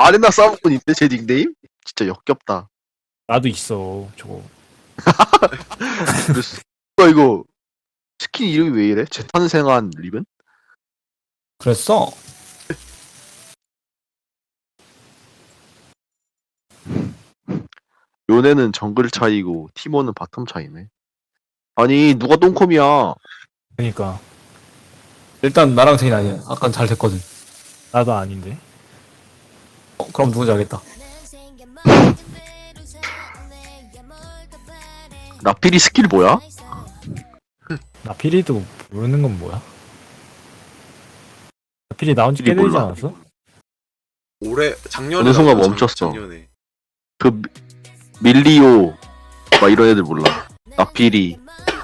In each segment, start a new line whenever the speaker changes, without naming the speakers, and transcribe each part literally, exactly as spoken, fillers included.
아레나 싸움꾼인데 제 닉네임? 진짜 역겹다.
나도 있어 저거.
그랬어. 야, 이거 스킨 이름이 왜 이래? 재탄생한 리븐?
그랬어?
요네는 정글 차이고 티모는 바텀 차이네. 아니 누가 똥컴이야?
그러니까
일단 나랑 제인 아니야. 아까 잘 됐거든.
나도 아닌데.
어, 그럼 누군지 알겠다.
나필이 스킬 뭐야?
나 피리도 모르는 건 뭐야? 나 피리 나온 지 꽤
피리
되지
몰라.
않았어?
올해 작년에
어느 순간
나왔죠,
멈췄어.
작- 작년에.
그 미- 밀리오 막 이런 애들 몰라. 나필이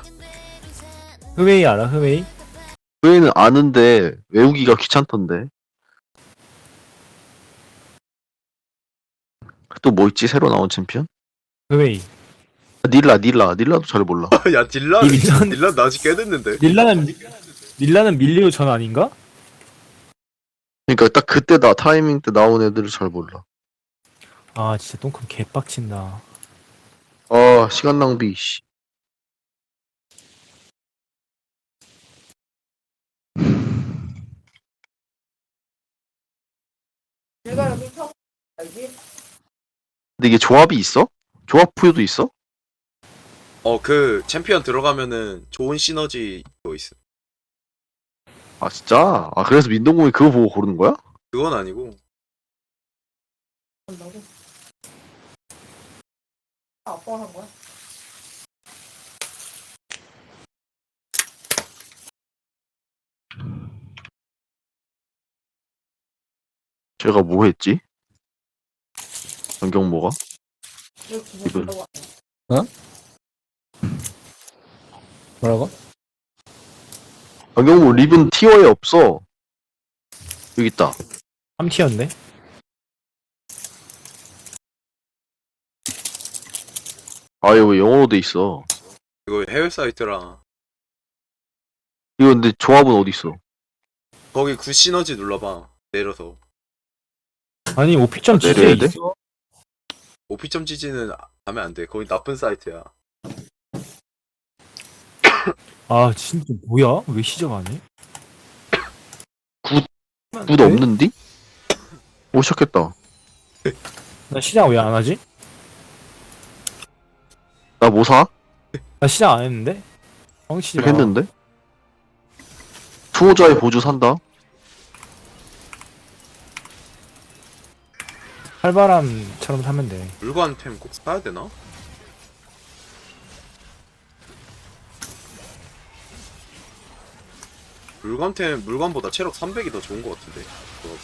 흐웨이 알아? 흐웨이?
그 애는 아는데 외우기가 귀찮던데. 또 뭐 있지? 새로 나온 챔피언?
흐웨이.
아, 닐라 닐라 닐라도 잘 몰라.
야 딜란
이 밀란-
딜란 나온 지 꽤 됐는데.
닐라는 닐라는 밀리오 전 아닌가?
그러니까 딱 그때 나 타이밍 때 나온 애들을 잘 몰라.
아 진짜 똥컴 개빡친다.
아 시간 낭비. 씨. 근데 이게 조합이 있어? 조합 부여도 있어?
어 그 챔피언 들어가면은 좋은 시너지 또 있어.
아 진짜? 아 그래서 민동공이 그거 보고 고르는 거야?
그건 아니고.
아빠가 한 거야?
제가 뭐 했지? 안경 뭐가?
이거 기분
이분.
좋다고
뭐라고?
안경 뭐 리븐 티어에 없어. 여기 있다.
삼 티였네?
아 이거 왜 영어로 돼 있어?
이거 해외 사이트라.
이거 근데 조합은 어디 있어?
거기 굿 시너지 눌러봐. 내려서.
아니 오피점
아,
지지에
내려야 돼?
있어.
오피점지지는 하면 안 돼. 거기 나쁜 사이트야.
아 진짜 뭐야? 왜 시작 안 해?
굿 없는디? 오 시작했다.
나 시작 왜 안 하지?
나 뭐 사?
나 시작 안 했는데? 뻥치지 마.
했는데? 투호자의 보조 산다.
칼바람처럼 사면 돼.
물관템 꼭 사야 되나? 물관템 물관보다 체력 삼백이 더 좋은 것 같은데. 조합은.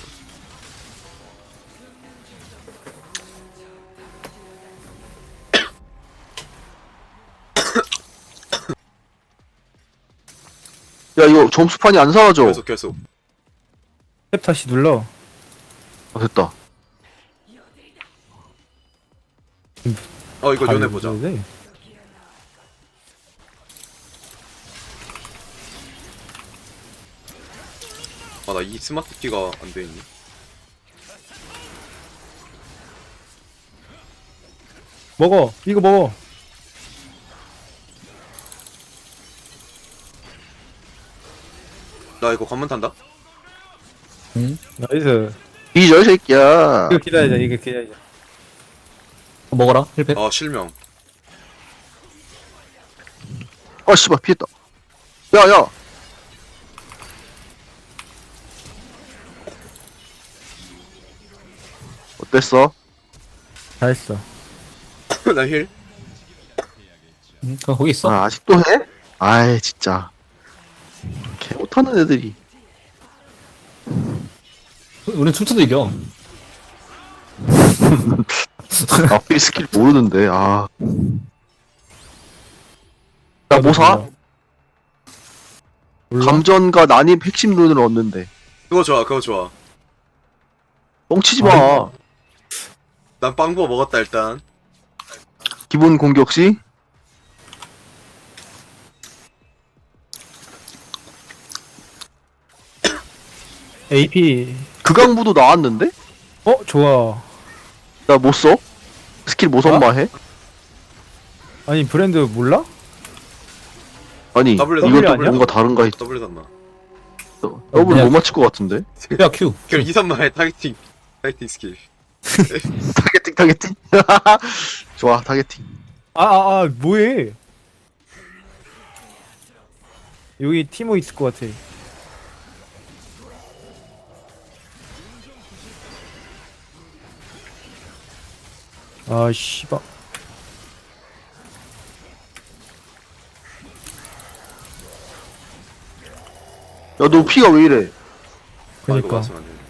야 이거 점수판이 안 사라져.
계속 계속.
탭 다시 눌러.
아 됐다.
어 이거 연애
아니,
보자.
왜 그래?
아 나 이 스마트 키가 안 돼 있네.
먹어. 이거 먹어.
나 이거 관문 탄다.
응?
나이스.
이저 새끼야.
이거 기다리자. 이거 기다리자.
어, 먹어라. 힐팩.
아 실명.
아 씨발 피했다. 야야. 어땠어?
잘했어.
나 힐.
응? 그럼 거기 있어.
아 아직도 해? 아이 진짜. 개 못하는 애들이.
우린 춤춰도 이겨.
앞에 스킬 모르는데 아. 야 뭐 사?
몰라?
감전과 난입 핵심 룬을 얻는데.
그거 좋아 그거 좋아.
뻥치지 마.
난 빵부어 먹었다 일단.
기본 공격 시
에이피
극강부도 나왔는데?
어 좋아.
나 못 써? 스킬 못 선마해?
아니 브랜드 몰라?
아니
W
이것도
W 아니야?
뭔가 다른가 했
W 단마.
더블
그냥-
못 맞출 것 같은데?
야 Q.
그럼 이 단마의 타겟팅 타겟팅 스킬.
타겟팅 타겟팅? 좋아 타겟팅.
아아아 아, 뭐해? 여기 티모 있을 것 같아. 아 씨발.
야 너 피가 왜 이래?
아 이거
그니까.
맞으면 안 돼.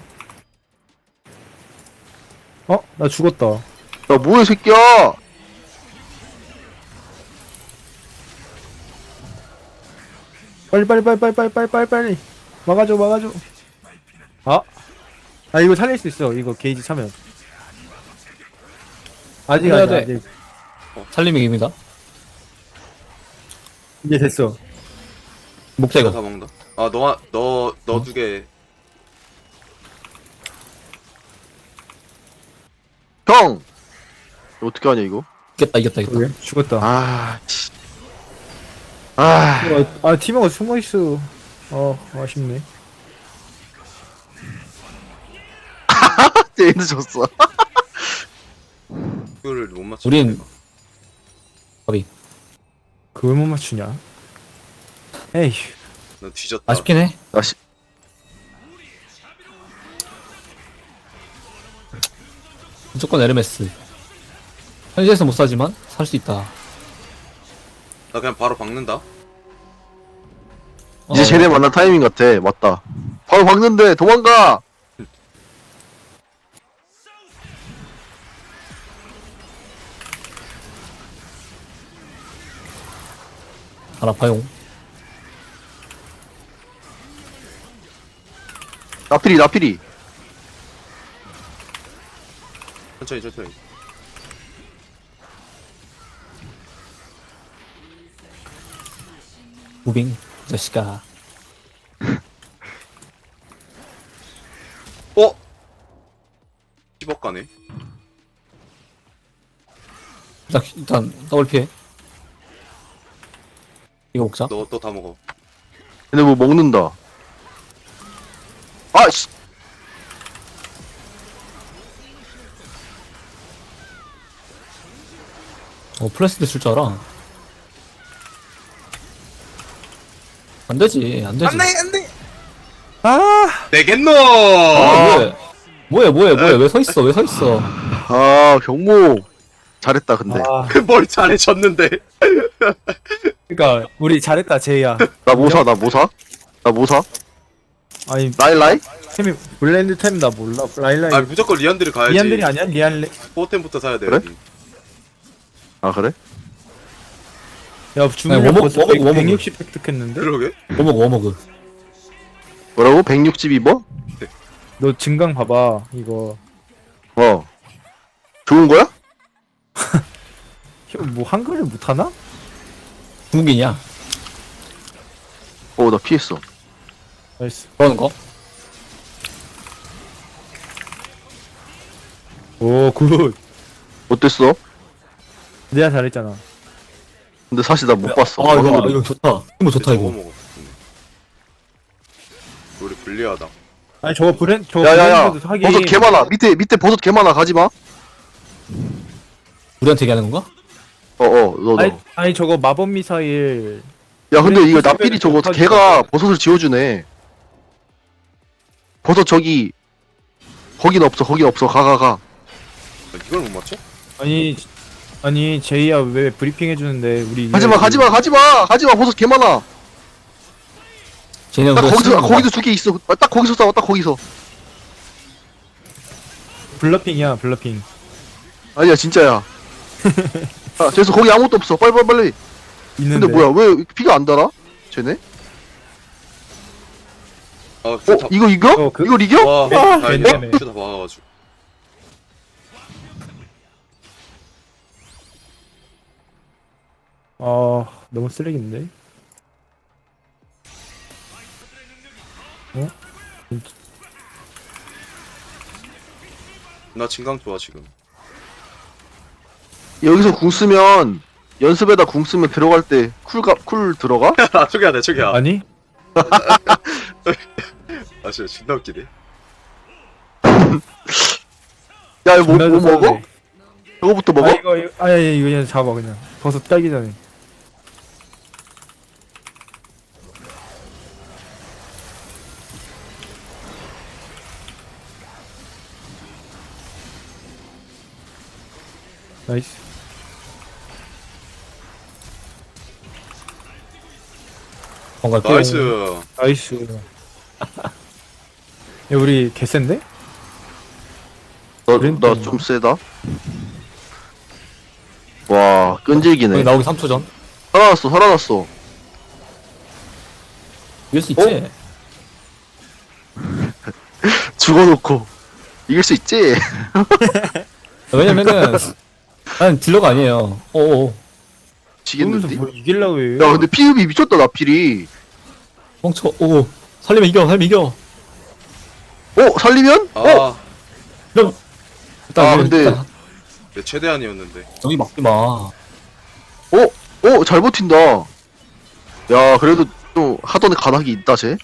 어? 나 죽었다.
야 뭐해 새끼야?
빨리 빨리 빨리 빨리 빨리 빨리 빨리 빨리 막아줘 막아줘. 아? 아 이거 살릴 수 있어. 이거 게이지 차면. 아직
해야
아직
돼.
아직.
살림의 기입니다.
이제 됐어.
목자
내가
이거.
다 먹는다. 아 너가 너너
어?
두 개.
형! 이거 어떻게 하냐 이거?
이겼다 이겼다 이겼다.
그래? 죽었다.
아 치. 아
아, 아 티모가 숨어 있어. 어 아쉽네.
얘는 졌어.
이거를 못 맞춰.
우린 거비.
그걸 못 맞추냐? 에이.
너 뒤졌다.
아쉽긴 해.
다시
무조건 에르메스. 현지에서 못 사지만 살 수 있다.
나 그냥 바로 박는다.
이제
어,
쟤네 만날 타이밍 같아. 맞다. 바로 박는데 도망가.
알아파용.
나필이 나필이.
천천히 천천히.
무빙 이 자식아.
어? 십억 가네.
일단 일단 더블 피해. 이거 먹자.
너 또 다 먹어.
얘네 뭐 먹는다. 아씨.
어 플래시드 쓸 줄 알아. 안 되지 안 되지.
안돼.
아
내겠노.
아, 뭐해? 뭐해 뭐해 뭐해 왜 서 있어 왜 서 있어?
아 경모 잘했다 근데.
아
뭘 잘해줬는데.
그러니까 우리 잘했다 제이야.
나 뭐 사? 나 뭐 사? 나 뭐 사?
아니
라일라이?
템이 블렌드 템 나 몰라. 라일라이.
아 무조건 리안드를 가야지.
리안들이 아니야? 리안레.
포템부터 사야 돼.
그래?
여기.
아 그래?
야 주문력
워머-
벌써
워머- 워머그.
백육십 획득했는데?
그러게.
워머그 워머그.
뭐라고? 백육십이 뭐?
너 증강 봐봐 이거.
어. 좋은 거야?
형, 뭐 한글을 못하나?
중국인이야.
어 나 피했어.
나이스.
그러는 거?
오 굿.
어땠어?
내가 잘했잖아.
근데 사실 나 못 봤어.
아 이거
얼굴을.
이거 좋다. 이거 좋다
저거
이거.
먹어. 우리 불리하다.
아니 저거 브랜 저거
야야야.
브랜드도 하긴.
버섯 개 많아. 밑에 밑에 버섯 개 많아. 가지 마.
우리한테 얘기하는 건가?
어어 너 너.
아니, 아니 저거 마법 미사일.
야 근데
브랜드
이거
수집에는
나필이 저거
못하지.
걔가 버섯을 지어주네. 버섯 저기 거긴 없어. 거긴 없어. 가 가 가.
아, 이걸 못 맞춰?
아니 아니 제이야 왜 브리핑 해주는데 우리.
가지마 가지마 가지마 가지마. 버섯 개 많아.
쟤네
딱
우리가
거기서
쓰는 건가?
거기도 두 개 있어. 아, 딱 거기서 싸워. 딱 거기서.
블러핑이야 블러핑.
아니야 진짜야. 아 그래서 거기 아무것도 없어. 빨리 빨리 빨리.
있는데.
근데 뭐야 왜 피가 안 달아? 쟤네?
아,
어
다,
이거 이겨?
어, 그-
이걸 이겨?
와,
아,
다행이다.
괜찮네.
다 막아가지고.
아 너무 쓰레기인데. 어?
나 진강 좋아 지금.
여기서 궁 쓰면 연습에다 궁 쓰면 들어갈 때 쿨가 쿨 들어가?
아 저기야 내 저기야.
아니?
아 진짜 존나 웃기네.
야 이거 뭐,
존나
뭐
좋았네.
먹어? 저거부터 먹어?
아 이거 이거 아니 아니 이거 그냥 잡아 그냥 버섯 따기 전에. 나이스.
뭔가
나이스.
나이스. 야 우리 개센데? 그랜
나 좀 세다. 와 끈질기네.
여기 나오기 삼 초 전.
살아났어 살아났어.
이길 수 있지?
죽어놓고 이길 수 있지?
왜냐면은 난 딜러가 아니에요. 어어.
그러면서
지겠는데?
뭘 이길라고 해.
야 근데 피흡이 미쳤다 나필이.
멍쳐. 오. 살리면 이겨. 살리면 이겨.
어? 살리면?
아,
어?
이런. 일단
아,
이거
근데-
일단
내 최대한이었는데.
저기 막지 마.
어? 어? 잘 버틴다. 야 그래도 좀 하던 가닥이 있다 쟤.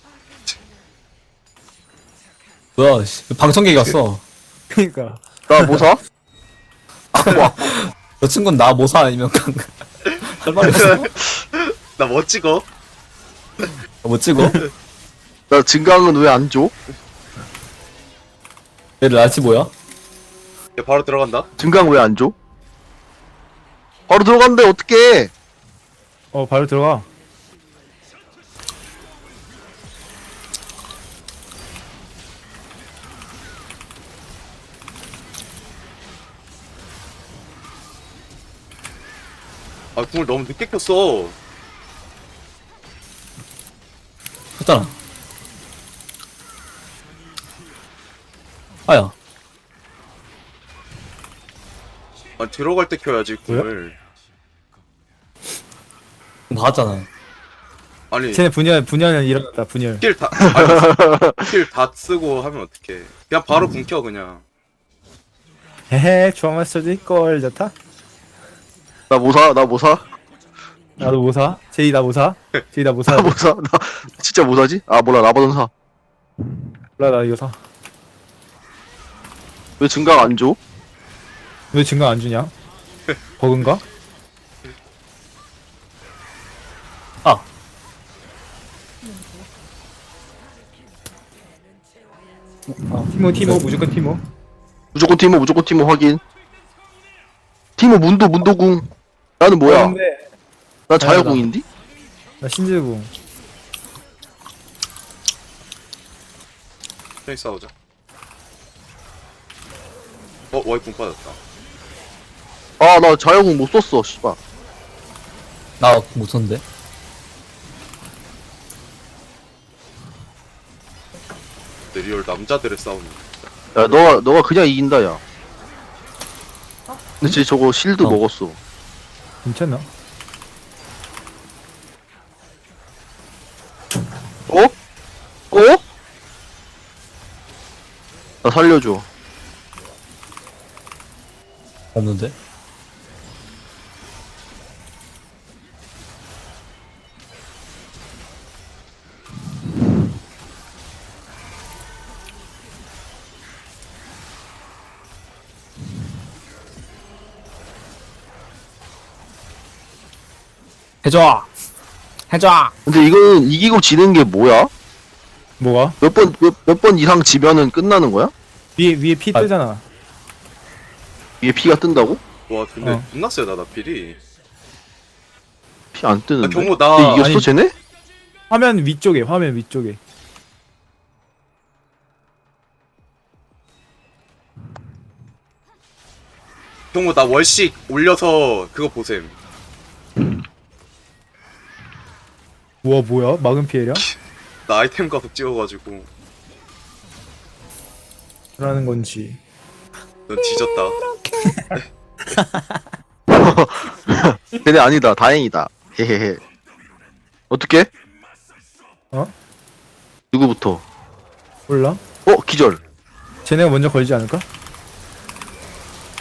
뭐야? 씨. 방청객이 왔어.
그러니까.
나 뭐 사? 아쿠아.
저 친구는 나 모사 아니면 강. 할 말이 없어.
나 뭐 찍어?
못 찍어?
나 증강은 왜 안 줘?
얘들 날치 뭐야?
야, 바로 들어간다.
증강 왜 안 줘? 바로 들어간대 어떡해.
어 바로 들어가.
아 궁을 너무 늦게 켰어.
했잖아. 아야.
아 들어갈 때 켜야지 궁을.
봤잖아.
아니
쟤네 분열 분열은 일어났다 분열.
스킬 다 스킬 다 쓰고 하면 어떡해. 그냥 바로 궁 켜 그냥.
헤헤 주황할 수도 있고 좋다.
나 뭐 사? 나 뭐 사?
나도 뭐 사? 제이 나 뭐 사? 제이 나 뭐 사?
나 뭐 사? 나 진짜 뭐 사지? 아 몰라 라바돈 사.
몰라 나 이거 사.
왜 증강 안 줘?
왜 증강 안 주냐? 버그인가?
아.
아, 티모 티모 무조건 티모.
무조건 티모 무조건 티모 확인. 티모 문도 문도궁. 나는 뭐야?
어, 근데
나 자유궁인디?
나 신지궁.
편히 싸우자. 어 와이 궁 빠졌다.
아 나 자유궁 못 썼어 씨발.
나못 썼는데.
내 리얼 남자들의 싸움.
야 너가 너가 그냥 이긴다 야. 근데 쟤 저거 실드
어.
먹었어.
괜찮나?
어? 어? 나 살려줘.
없는데. 해줘. 해줘.
근데 이거는 이기고 지는 게 뭐야?
뭐가?
몇 번 몇 몇 번 이상 지면은 끝나는 거야?
위에 위에 피
아.
뜨잖아.
이게 피가 뜬다고?
와 근데
어.
존나 세다 나필이.
피 안 뜨는데.
아, 경호 나-
근데 이겼어
아니-
쟤네?
화면 위쪽에 화면 위쪽에.
경호 나 월식 올려서 그거 보셈.
우와 뭐야? 막은 피해량?
나 아이템 가서 찍어가지고
라는 건지.
넌 뒤졌다.
쟤네 아니다. 다행이다. 헤헤헤. 어떻게?
어?
누구부터?
몰라?
어 기절.
쟤네가 먼저 걸지 않을까?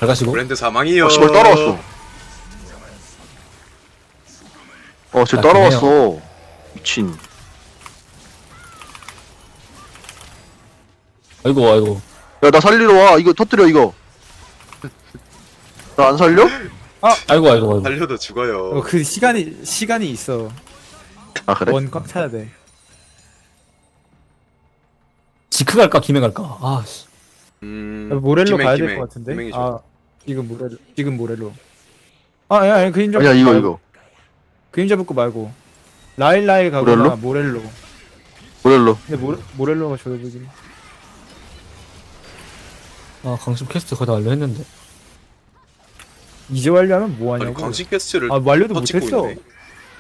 잘 가시고.
브랜드 사망이요.
어 씨발 따라왔어. 어쟤
아,
따라왔어. 미친.
아이고 아이고.
야 나 살리러 와. 이거 터뜨려 이거. 나 안 살려?
아이고 아이고 아이고.
달려도 죽어요.
어, 그 시간이 시간이 있어.
아 그래?
원 꽉 차야 돼.
지크 갈까 김해 갈까? 아 씨.
음,
모렐로
김행,
가야 될
김행.
것 같은데.
김행이 좋아.
아 지금 모렐로 지금 모렐로. 아, 야, 야 그림자.
아니야
붙고
이거
말고.
이거.
그림자 붙고 말고. 라일라이 가거나 모렐로.
모렐로.
근데 모레, 모렐로가 좋아 보이긴.
아 강심 퀘스트 거의 다 완료했는데.
이제 완료하면 뭐
아니
하냐고.
강신 캐스트를
아 완료도
더 찍고
못했어.
있네.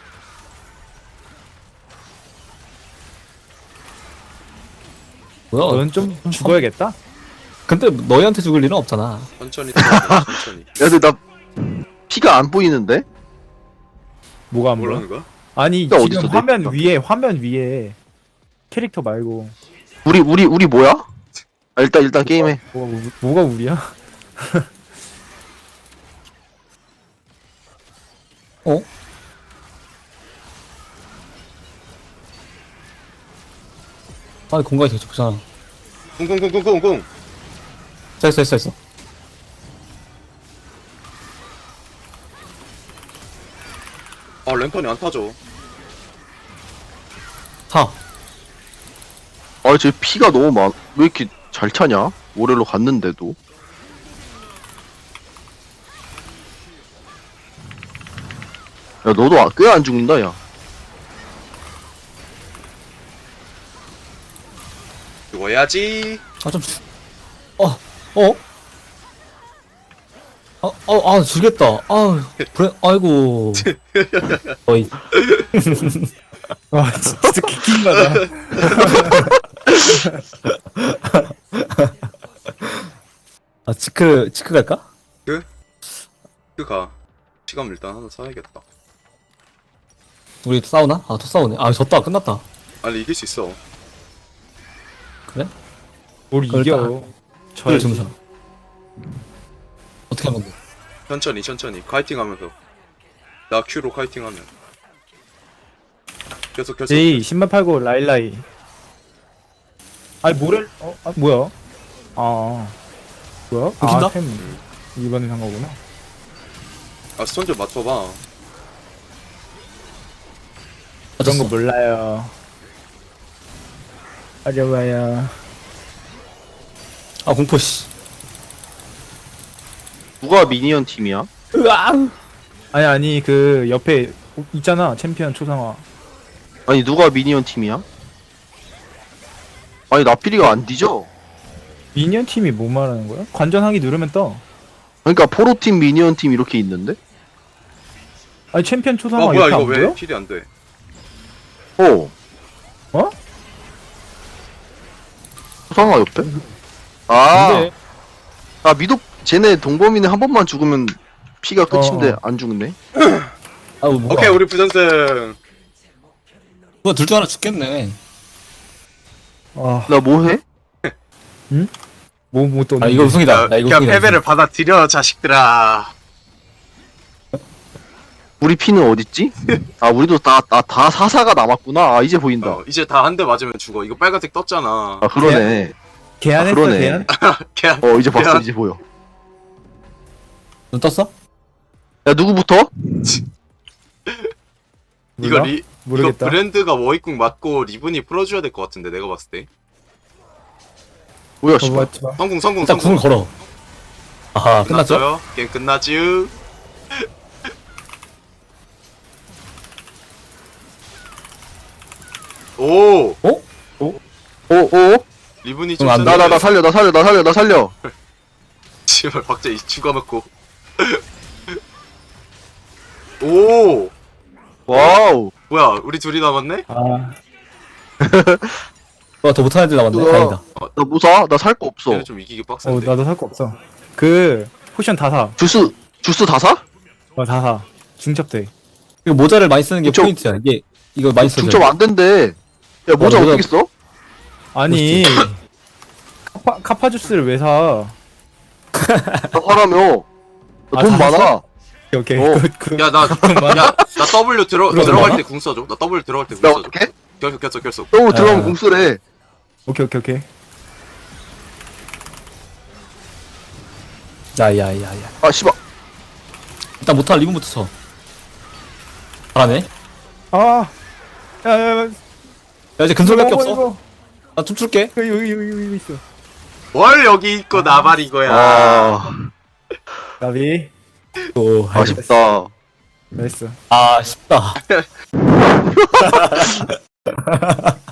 뭐야?
넌 좀 죽어야겠다.
근데 너희한테 죽을 일은 없잖아.
천천히 들어가, 천천히.
야 근데 나 피가 안 보이는데?
뭐가 안 보여?
뭐라는 거야?
아니
나
지금
어딨어,
화면
내
위에 화면 위에 캐릭터 말고
우리 우리 우리 뭐야? 아, 일단 일단 게임해.
뭐가 우- 뭐가 우리야?
어? 아니 공간이 되게 좁잖아.
쿵쿵쿵쿵쿵쿵.
됐어 됐어 됐어.
아 랜턴이 안 타죠.
타.
아쟤 피가 너무 많. 왜 이렇게 잘 차냐? 모렐로 갔는데도. 야 너도 꽤 안 죽는다 야.
죽어야지.
아 좀. 주... 어 어. 아, 아, 아, 죽겠다. 아, 브레, 아이고. 어이.
와 진짜 기킹가다.
아, 지크, 지크 갈까?
그가 시간 일단 하나 사야겠다.
우리 또 싸우나? 아, 또 싸우네. 아, 졌다. 끝났다.
아니 이길 수 있어.
그래?
뭘
그걸
이겨?
그래,
저
주무사. 어떻게 하면 돼?
천천히 천천히 카이팅하면서. 나 Q로 카이팅하면. 계속 계속.
제이 신발 팔고 라일라이. 아니 모렐 어? 아 뭐야? 아 뭐야?
웃긴다?
아템 이번에 산 거구나.
아 스톤 좀 맞춰봐.
그런 거
맞았어.
몰라요. 어려워요.
아, 공포, 씨.
누가 미니언 팀이야?
으아!
아니 아니 그 옆에 있잖아 챔피언 초상화.
아니 누가 미니언 팀이야? 아니 나필이가 안 뒤져.
미니언 팀이 뭐 말하는 거야? 관전하기 누르면 떠.
그러니까 포로팀 미니언 팀 이렇게 있는데?
아니 챔피언
아
초상화
뭐야
옆에
이거
안
왜
보여?
킬이 안 돼?
어.
어?
소상화 옆에? 아,
근데,
아 미독 쟤네 동범이네 한 번만 죽으면 피가 끝인데
어.
안 죽네.
아, 뭐야.
오케이 우리 부전승.
누가 둘 중 하나 죽겠네.
아,
나 뭐해?
뭐뭐 또.
아, 이거 우승이다. 나 이거
그냥
우승이다.
패배를 받아들여 자식들아.
우리 피는 어딨지? 아 우리도 다 다 다 사사가 남았구나. 아 이제 보인다.
어, 이제 다 한 대 맞으면 죽어. 이거 빨간색 떴잖아.
아 그러네.
개안했어
아, 그러네.
개안?
걔
어 이제 봤어
미안.
이제 보여.
눈 떴어?
야 누구부터?
이거
몰라?
리
모르겠다.
이거 브랜드가 워익궁 맞고 리븐이 풀어줘야 될 것 같은데 내가 봤을 때.
뭐야
어,
씨발.
맞지 마.
성공 성공
일단
성공.
궁을 걸어. 아하, 끝났죠?
끝났어요? 게임 끝나지. 오
어?
오오.
리븐이
응,
좀
안
나 나 나 살려 나 살려 나 살려 나 살려.
씨발 박자 죽어놓고. 오
와우.
뭐야 우리 둘이 남았네?
아,
어, 더 못하는 애들 남았네.
우와.
다행이다.
나 무사? 나 살 거 없어.
얘는 좀 이기기
어
빡센데.
나도 살 거 없어. 그 포션 다 사.
주스 주스 다 사?
어 다 사. 중첩돼.
이거 모자를 많이 쓰는 게
그쵸.
포인트야. 이게, 이거 많이 써줘.
중첩 안 된대. 야 모자
어, 모자-
어떻게 써?
아니 카파 카파 주스를 왜 사?
나 사라며. 나
아,
돈
다
많아.
샀어? 오케이
어.
굿, 굿.
야 나 야 나 W 들어
그럼
들어갈
많아?
때 궁 써줘. 나 W 들어갈 때 궁
나
써줘.
어떡해?
결속 결속 결속.
또 들어가면
아.
공수래.
오케이 오케이 오케이.
야야야야.
아, 씨발.
일단 못할 리본부터 쳐. 잘하네.
아, 야야야.
야 이제 근솔밖에 없어. 나 춤출게.
여기 여기 여기 여기 있어.
뭘 여기 있고 나발 이거야.
아,
나비.
오
아쉽다.
나이스.
아 쉽다.